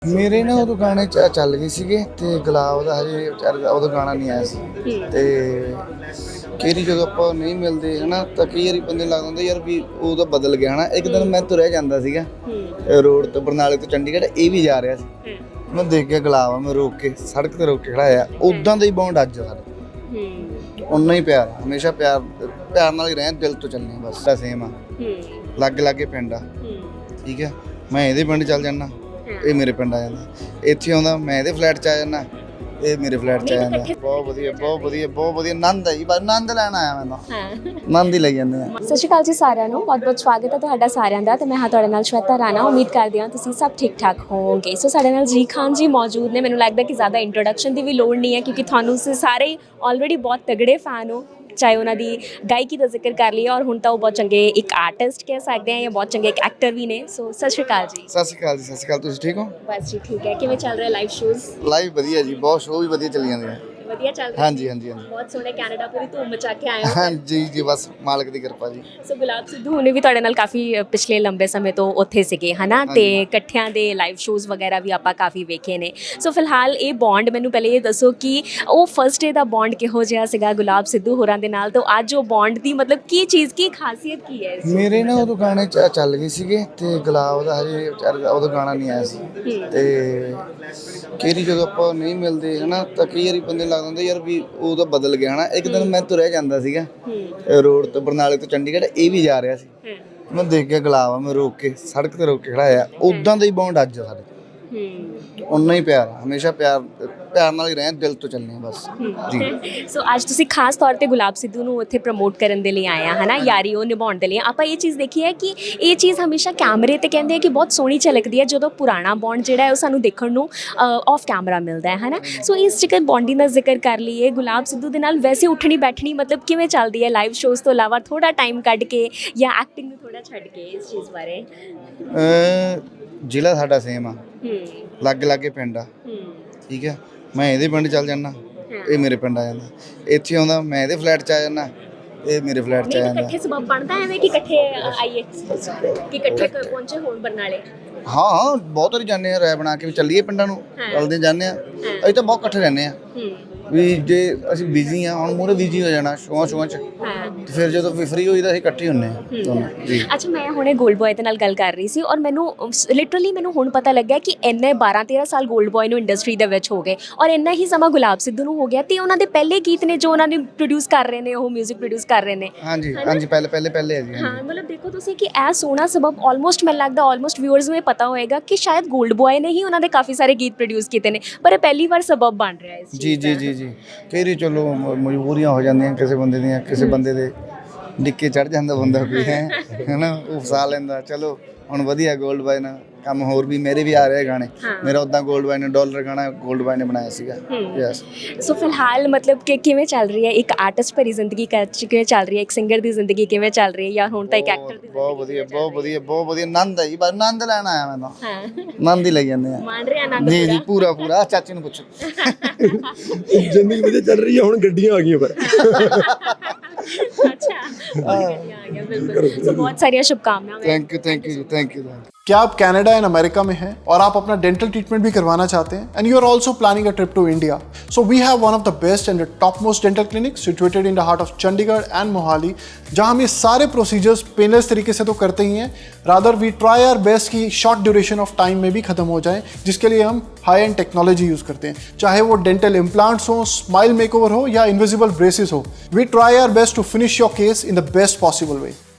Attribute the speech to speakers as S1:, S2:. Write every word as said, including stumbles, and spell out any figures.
S1: ਮੇਰੇ ਨਾ ਉਦੋਂ ਗਾਣੇ ਚ ਚੱਲ ਗਏ ਸੀਗੇ ਤੇ ਗੁਲਾਬ ਦਾ ਹਜੇ ਵਿਚਾਰੇ ਉਦੋਂ ਗਾਣਾ ਨਹੀਂ ਆਇਆ ਸੀ ਤੇ ਕਿਹੜੀ ਜਦੋਂ ਆਪਾਂ ਨਹੀਂ ਮਿਲਦੇ ਹਨਾ ਤਾਂ ਕਈ ਵਾਰੀ ਬੰਦੇ ਲੱਗਦਾ ਹੁੰਦਾ ਯਾਰ ਵੀ ਉਹ ਤਾਂ ਬਦਲ ਗਿਆ ਹਨਾ। ਇੱਕ ਦਿਨ ਮੈਂ ਤੁਰਿਆ ਜਾਂਦਾ ਸੀਗਾ ਰੋਡ ਤੋਂ ਬਰਨਾਲੇ ਤੋਂ ਚੰਡੀਗੜ੍ਹ ਇਹ ਵੀ ਜਾ ਰਿਹਾ ਸੀ, ਮੈਂ ਦੇਖ ਗਿਆ ਗੁਲਾਬ ਮੈਂ ਰੋਕ ਕੇ ਸੜਕ ਤੇ ਰੋਕ ਕੇ ਖੜਾਇਆ। ਉਦਾਂ ਦਾ ਹੀ ਬੌਂਡ ਅੱਜ ਸਾਡਾ, ਉਨਾ ਹੀ ਪਿਆਰ ਹਮੇਸ਼ਾ ਪਿਆਰ ਪਿਆਰ ਨਾਲ ਹੀ ਰਹੇ, ਦਿਲ ਤੋਂ ਚੱਲਣੇ ਬਸ ਸੇਮ ਆ। ਲਾਗੇ ਲਾਗੇ ਪਿੰਡ ਆ ਠੀਕ ਹੈ, ਮੈਂ ਇਹਦੇ ਪਿੰਡ ਚੱਲ ਜਾਂਦਾ ਇਹ ਮੇਰੇ ਪਿੰਡ ਆ ਜਾਂਦਾ, ਇੱਥੇ ਆਉਂਦਾ ਮੈਂ ਇਹਦੇ ਫਲੈਟ 'ਚ ਆ ਜਾਂਦਾ ਇਹ ਮੇਰੇ ਫਲੈਟ 'ਚ ਆ ਜਾਂਦਾ। ਬਹੁਤ ਵਧੀਆ ਬਹੁਤ ਵਧੀਆ ਬਹੁਤ ਵਧੀਆ ਆਨੰਦ ਹੈ ਜੀ, ਬਸ ਆਨੰਦ ਲੈਣ ਆਇਆ ਮੈਂ ਤਾਂ, ਆਨੰਦ ਹੀ ਲਈ ਜਾਂਦੇ ਆ।
S2: ਸਤਿ ਸ਼੍ਰੀ ਅਕਾਲ ਜੀ ਸਾਰਿਆਂ ਨੂੰ, ਬਹੁਤ ਬਹੁਤ ਸਵਾਗਤ ਹੈ ਤੁਹਾਡਾ ਸਾਰਿਆਂ ਦਾ ਤੇ ਮੈਂ ਹਾਂ ਤੁਹਾਡੇ ਨਾਲ ਸ਼ਵੇਤਾ ਰਾਣਾ। ਉਮੀਦ ਕਰਦੀ ਹਾਂ ਤੁਸੀਂ ਸਭ ਠੀਕ ਠਾਕ ਹੋਵੋਗੇ। ਸੋ ਸਾਡੇ ਨਾਲ ਜੀ ਖਾਨ ਜੀ ਮੌਜੂਦ ਨੇ। ਮੈਨੂੰ ਲੱਗਦਾ ਕਿ ਜ਼ਿਆਦਾ ਇੰਟਰੋਡਕਸ਼ਨ ਦੀ ਵੀ ਲੋੜ ਨਹੀਂ ਹੈ ਕਿਉਂਕਿ ਤੁਹਾਨੂੰ ਤੁਸੀਂ ਸਾਰੇ ਹੀ ਆਲਰੇਡੀ ਬਹੁਤ ਤਗੜੇ ਫੈਨ ਹੋ, ਚਾਹੇ ਉਹਨਾਂ ਦੀ ਗਾਇਕੀ ਦਾ ਜ਼ਿਕਰ ਕਰ ਲਈਏ ਔਰ ਹੁਣ ਤਾਂ ਉਹ ਬਹੁਤ ਚੰਗੇ ਇੱਕ ਆਰਟਿਸਟ ਕਹਿ ਸਕਦੇ ਹਾਂ ਜਾਂ ਬਹੁਤ ਚੰਗੇ ਇੱਕ ਐਕਟਰ ਵੀ ਨੇ। ਸੋ ਸਤਿ ਸ਼੍ਰੀ ਅਕਾਲ ਜੀ।
S1: ਸਤਿ ਸ਼੍ਰੀ ਅਕਾਲ ਜੀ। ਸਤਿ ਸ਼੍ਰੀ ਅਕਾਲ, ਤੁਸੀਂ ਠੀਕ ਹੋ?
S2: ਬਸ ਜੀ ਠੀਕ ਹੈ। ਕਿਵੇਂ ਚੱਲ ਰਿਹਾ ਲਾਈਵ ਸ਼ੋਜ਼?
S1: ਲਾਈਵ ਵਧੀਆ ਜੀ, ਬਹੁਤ ਸ਼ੋਅ ਵੀ ਵਧੀਆ ਚੱਲੀ ਜਾਂਦੇ ਆ।
S2: ਵਧੀਆ ਚੱਲ ਰਿਹਾ?
S1: ਹਾਂਜੀ ਹਾਂਜੀ ਹਾਂਜੀ
S2: ਬਹੁਤ ਸੋਹਣੇ, ਕੈਨੇਡਾ ਪੂਰੀ ਧੂਮ ਮਚਾ ਕੇ ਆਏ ਹੋ।
S1: ਹਾਂਜੀ ਜੀ, ਬਸ ਮਾਲਕ ਦੀ ਕਿਰਪਾ ਜੀ।
S2: ਸੋ ਗੁਲਾਬ ਸਿੱਧੂ ਹੁਣੇ ਵੀ ਤੁਹਾਡੇ ਨਾਲ ਕਾਫੀ ਪਿਛਲੇ ਲੰਬੇ ਸਮੇਂ ਤੋਂ ਉੱਥੇ ਸੀਗੇ ਹਨਾ, ਤੇ ਇਕੱਠਿਆਂ ਦੇ ਲਾਈਵ ਸ਼ੋਜ਼ ਵਗੈਰਾ ਵੀ ਆਪਾਂ ਕਾਫੀ ਵੇਖੇ ਨੇ। ਸੋ ਫਿਲਹਾਲ ਇਹ ਬੌਂਡ ਮੈਨੂੰ ਪਹਿਲੇ ਇਹ ਦੱਸੋ ਕਿ ਉਹ ਫਸਟ ਡੇ ਦਾ ਬੌਂਡ ਕਿਹੋ ਜਿਹਾ ਸੀਗਾ ਗੁਲਾਬ ਸਿੱਧੂ ਹੋਰਾਂ ਦੇ ਨਾਲ, ਤਾਂ ਅੱਜ ਉਹ ਬੌਂਡ ਦੀ ਮਤਲਬ ਕੀ ਚੀਜ਼ ਕੀ ਖਾਸੀਅਤ ਕੀ ਹੈ?
S1: ਮੇਰੇ ਨਾ ਉਦੋਂ ਗਾਣੇ ਚ ਚੱਲ ਗਏ ਸੀਗੇ ਤੇ ਗੁਲਾਬ ਦਾ ਹਜੇ ਵਿਚਾਰੇ ਉਦੋਂ ਗਾਣਾ ਨਹੀਂ ਆਇਆ ਸੀ ਤੇ ਕਿਹੜੀ ਜਦੋਂ ਆਪਾਂ ਨਹੀਂ ਮਿਲਦੇ ਹਨਾ ਤਾਂ ਕਈ ਵਾਰੀ ਬੰਦੇ ਲੱਗਦਾ ਹੁੰਦਾ ਯਾਰ ਵੀ ਉਹ ਤਾਂ ਬਦਲ ਗਿਆ ਹਨਾ। ਇੱਕ ਦਿਨ ਮੈਂ ਤੁਰਿਆ ਜਾਂਦਾ ਸੀਗਾ ਰੋਡ ਤੋਂ ਬਰਨਾਲੇ ਤੋਂ ਚੰਡੀਗੜ੍ਹ ਇਹ ਵੀ ਜਾ ਰਿਹਾ ਸੀ, ਮੈਂ ਦੇਖ ਗਿਆ ਗੁਲਾਬ ਮੈਂ ਰੋਕ ਕੇ ਸੜਕ ਤੇ ਰੋਕ ਕੇ ਖੜਾਇਆ। ਉਦਾਂ ਦਾ ਹੀ ਬੌਂਡ ਅੱਜ ਸਾਡੇ, ਉਨਾ ਹੀ ਪਿਆਰ ਹਮੇਸ਼ਾ ਪਿਆਰ ਪਿਆਰ ਨਾਲ ਹੀ ਰਹੇ, ਦਿਲ ਤੋਂ ਚੱਲਣੇ ਬਸ ਜੀ।
S2: ਸੋ ਅੱਜ ਤੁਸੀਂ ਖਾਸ ਤੌਰ ਤੇ ਗੁਲਾਬ ਸਿੱਧੂ ਨੂੰ ਉੱਥੇ ਪ੍ਰਮੋਟ ਕਰਨ ਦੇ ਲਈ ਆਏ ਆ ਹਨਾ, ਯਾਰੀ ਉਹ ਨਿਭਾਉਣ ਦੇ ਲਈ। ਆਪਾਂ ਇਹ ਚੀਜ਼ ਦੇਖੀ ਹੈ ਕਿ ਇਹ ਚੀਜ਼ ਹਮੇਸ਼ਾ ਕੈਮਰੇ ਤੇ ਕਹਿੰਦੇ ਆ ਕਿ ਬਹੁਤ ਸੋਹਣੀ ਝਲਕਦੀ ਹੈ ਜਦੋਂ ਪੁਰਾਣਾ ਬੌਂਡ ਜਿਹੜਾ ਹੈ ਉਹ ਸਾਨੂੰ ਦੇਖਣ ਨੂੰ ਆਫ ਕੈਮਰਾ ਮਿਲਦਾ ਹੈ ਹਨਾ। ਸੋ ਇਸ ਜੇਕਰ ਬੌਂਡਿੰਗ ਦਾ ਜ਼ਿਕਰ ਕਰ ਲਈਏ ਗੁਲਾਬ ਸਿੱਧੂ ਦੇ ਨਾਲ ਵੈਸੇ ਉੱਠਣੀ ਬੈਠਣੀ ਮਤਲਬ ਕਿਵੇਂ ਚੱਲਦੀ ਹੈ ਲਾਈਵ ਸ਼ੋਜ਼ ਤੋਂ ਇਲਾਵਾ, ਥੋੜਾ ਟਾਈਮ ਕੱਢ ਕੇ ਜਾਂ ਐਕਟਿੰਗ ਨੂੰ ਥੋੜਾ ਛੱਡ ਕੇ? ਇਸ ਚੀਜ਼ ਬਾਰੇ
S1: ਜ਼ਿਲ੍ਹਾ ਸਾਡਾ ਸੇਮ ਆ, ਲਾਗੇ ਲਾਗੇ ਪਿੰਡ ਆ ਠੀਕ ਹੈ, ਮੈਂ ਇਹਦੇ ਪਿੰਡ ਚੱਲ ਜਾਂਦਾ ਇਹ ਮੇਰੇ ਪਿੰਡ ਆ ਜਾਂਦਾ, ਇੱਥੇ ਆਉਂਦਾ ਮੈਂ ਇਹਦੇ ਫਲੈਟ 'ਚ ਆ ਜਾਂਦਾ ਇਹ ਮੇਰੇ ਫਲੈਟ 'ਚ ਆ ਜਾਂਦਾ।
S2: ਇਕੱਠੇ ਸਬਬ ਬਣਦਾ ਐਵੇਂ ਕਿ ਇਕੱਠੇ ਆਈਏ ਕਿ ਇਕੱਠੇ ਪਹੁੰਚੇ ਹੋਣ ਬਰਨਾਲੇ?
S1: ਹਾਂ ਹਾਂ ਬਹੁਤ ਵਾਰੀ ਜਾਂਦੇ ਆ, ਰਾਏ ਬਣਾ ਕੇ ਵੀ ਚੱਲੀਏ ਪਿੰਡਾਂ ਨੂੰ, ਚੱਲਦੇ ਜਾਂਦੇ ਆ। ਅਸੀਂ ਤਾਂ ਬਹੁਤ ਇਕੱਠੇ ਰਹਿੰਦੇ ਆ ਵੀ ਜੇ ਅਸੀਂ ਬਿਜ਼ੀ ਆ, ਹੁਣ ਮੂਹਰੇ ਬਿਜ਼ੀ ਹੋ ਜਾਣਾ ਸ਼ੋਆਂ ਸ਼ੋਆਂ 'ਚ, ਤੇ ਫਿਰ ਜਦੋਂ ਵੀ ਫਰੀ ਹੋਈਦਾ ਅਸੀਂ ਇਕੱਠੇ ਹੁੰਦੇ ਆ ਜੀ।
S2: ਅੱਛਾ, ਮੈਂ ਹੁਣੇ ਗੋਲਡ ਬॉय ਦੇ ਨਾਲ ਗੱਲ ਕਰ ਰਹੀ ਸੀ ਔਰ ਮੈਨੂੰ ਲਿਟਰਲੀ ਮੈਨੂੰ ਹੁਣ ਪਤਾ ਲੱਗਿਆ ਕਿ ਇੰਨੇ ਬਾਰਾਂ ਤੇਰਾਂ ਸਾਲ ਗੋਲਡ ਬॉय ਨੂੰ ਇੰਡਸਟਰੀ ਦੇ ਵਿੱਚ ਹੋ ਗਏ ਔਰ ਇੰਨਾ ਹੀ ਸਮਾਂ ਗੁਲਾਬ ਸਿੱਧੂ ਨੂੰ ਹੋ ਗਿਆ, ਤੇ ਉਹਨਾਂ ਦੇ ਪਹਿਲੇ ਗੀਤ ਨੇ ਜੋ ਉਹਨਾਂ ਨੇ ਪ੍ਰੋਡਿਊਸ ਕਰ ਰਹੇ ਨੇ, ਉਹ ਮਿਊਜ਼ਿਕ ਪ੍ਰੋਡਿਊਸ ਕਰ ਰਹੇ ਨੇ। ਹਾਂਜੀ
S1: ਹਾਂਜੀ ਪਹਿਲੇ ਪਹਿਲੇ ਪਹਿਲੇ ਹੈ ਜੀ।
S2: ਹਾਂ ਮਤਲਬ ਦੇਖੋ ਤੁਸੀਂ ਕਿ ਇਹ ਸੋਹਣਾ ਸਬਬ ਆਲਮੋਸਟ ਮੈਨੂੰ ਲੱਗਦਾ ਆਲਮੋਸਟ ਵਿਊਅਰਸ ਨੂੰ ਇਹ ਪਤਾ ਹੋਏਗਾ ਕਿ ਸ਼ਾਇਦ ਗੋਲਡ ਬॉय ਨੇ ਹੀ ਉਹਨਾਂ ਦੇ ਕਾਫੀ ਸਾਰੇ ਗੀਤ ਪ੍ਰੋਡਿਊਸ ਕੀਤੇ ਨੇ, ਪਰ ਇਹ ਪਹਿਲੀ ਵਾਰ ਸਬਬ ਬਣ ਰਿਹਾ ਇਸ ਚੀਜ਼ ਦਾ। ਜੀ ਜੀ ਜੀ ਜੀ ਕਈ ਵਾਰੀ ਚਲੋ ਮਜਬੂਰੀਆਂ ਹੋ ਜਾਂਦੀਆਂ ਕਿਸੇ ਬੰਦੇ ਦੀਆਂ, ਕਿਸੇ ਬੰਦੇ ਦੇ ਡਿੱਕੇ ਚੜ ਜਾਂਦਾ ਬੰਦਾ ਕੋਈ ਹੈ ਹਨਾ, ਉਹ ਫਸਾ ਲੈਂਦਾ। ਚਲੋ ਹੁਣ ਵਧੀਆ ਗੋਲਡ ਬॉय ਨਾਲ ਕੰਮ ਹੋਰ ਵੀ ਮੇਰੇ ਵੀ ਆ ਰਹੇ ਗਾਣੇ। ਮੇਰਾ ਉੱਦਾਂ ਗੋਲਡ ਬॉय ਨੇ ਡਾਲਰ ਗਾਣਾ ਗੋਲਡ ਬॉय ਨੇ ਬਣਾਇਆ ਸੀਗਾ। ਯੈਸ। ਸੋ ਫਿਲਹਾਲ ਮਤਲਬ ਕਿ ਕਿਵੇਂ ਚੱਲ ਰਹੀ ਹੈ ਇੱਕ ਆਰਟਿਸਟ ਭਰੀ ਜ਼ਿੰਦਗੀ, ਕਿਵੇਂ ਚੱਲ ਰਹੀ ਹੈ ਇੱਕ ਸਿੰਗਰ ਦੀ ਜ਼ਿੰਦਗੀ, ਕਿਵੇਂ ਚੱਲ ਰਹੀ ਹੈ ਜਾਂ ਹੁਣ ਤਾਂ ਇੱਕ ਐਕਟਰ ਦੀ? ਬਹੁਤ ਵਧੀਆ ਬਹੁਤ ਵਧੀਆ ਬਹੁਤ ਵਧੀਆ ਆਨੰਦ ਹੈ ਜੀ, ਬਸ ਆਨੰਦ ਲੈਣ ਆਇਆ ਮੈਂ ਤਾਂ, ਆਨੰਦ ਹੀ ਲਈ ਜਾਂਦੇ ਆ। ਮੰਨ ਰਿਹਾ ਆਨੰਦ
S1: ਜੀ ਜੀ ਪੂਰਾ ਪੂਰਾ। ਚਾਚੀ ਨੂੰ ਪੁੱਛੋ।
S3: ਜ਼ਿੰਦਗੀ ਵਧੀਆ ਚੱਲ ਰਹੀ ਹੈ, ਹੁਣ ਗੱਡੀਆਂ ਆ ਗਈਆਂ ਪਰ।
S2: अच्छा आ गया बिल्कुल। सो बहुत सारी शुभकामनाएं।
S1: Thank you thank you thank you.
S3: क्या आप कनाडा एंड अमेरिका में हैं और आप अपना डेंटल ट्रीटमेंट भी करवाना चाहते हैं and you are also planning a trip to India? So we have one of the best and top most dental clinic situated in the heart of Chandigarh and Mohali, जहां हम ये सारे प्रोसीजर्स पेनलेस तरीके से तो करते ही हैं, rather we try our best कि शॉर्ट ड्यूरेशन ऑफ टाइम में भी खत्म हो जाए, जिसके लिए हम हाई एंड टेक्नोलॉजी यूज़ करते हैं, चाहे वो डेंटल इम्प्लांट्स हो, स्माइल मेकओवर हो या इनविजिबल ब्रेसेस हो। We try our best to finish your case in the best possible way.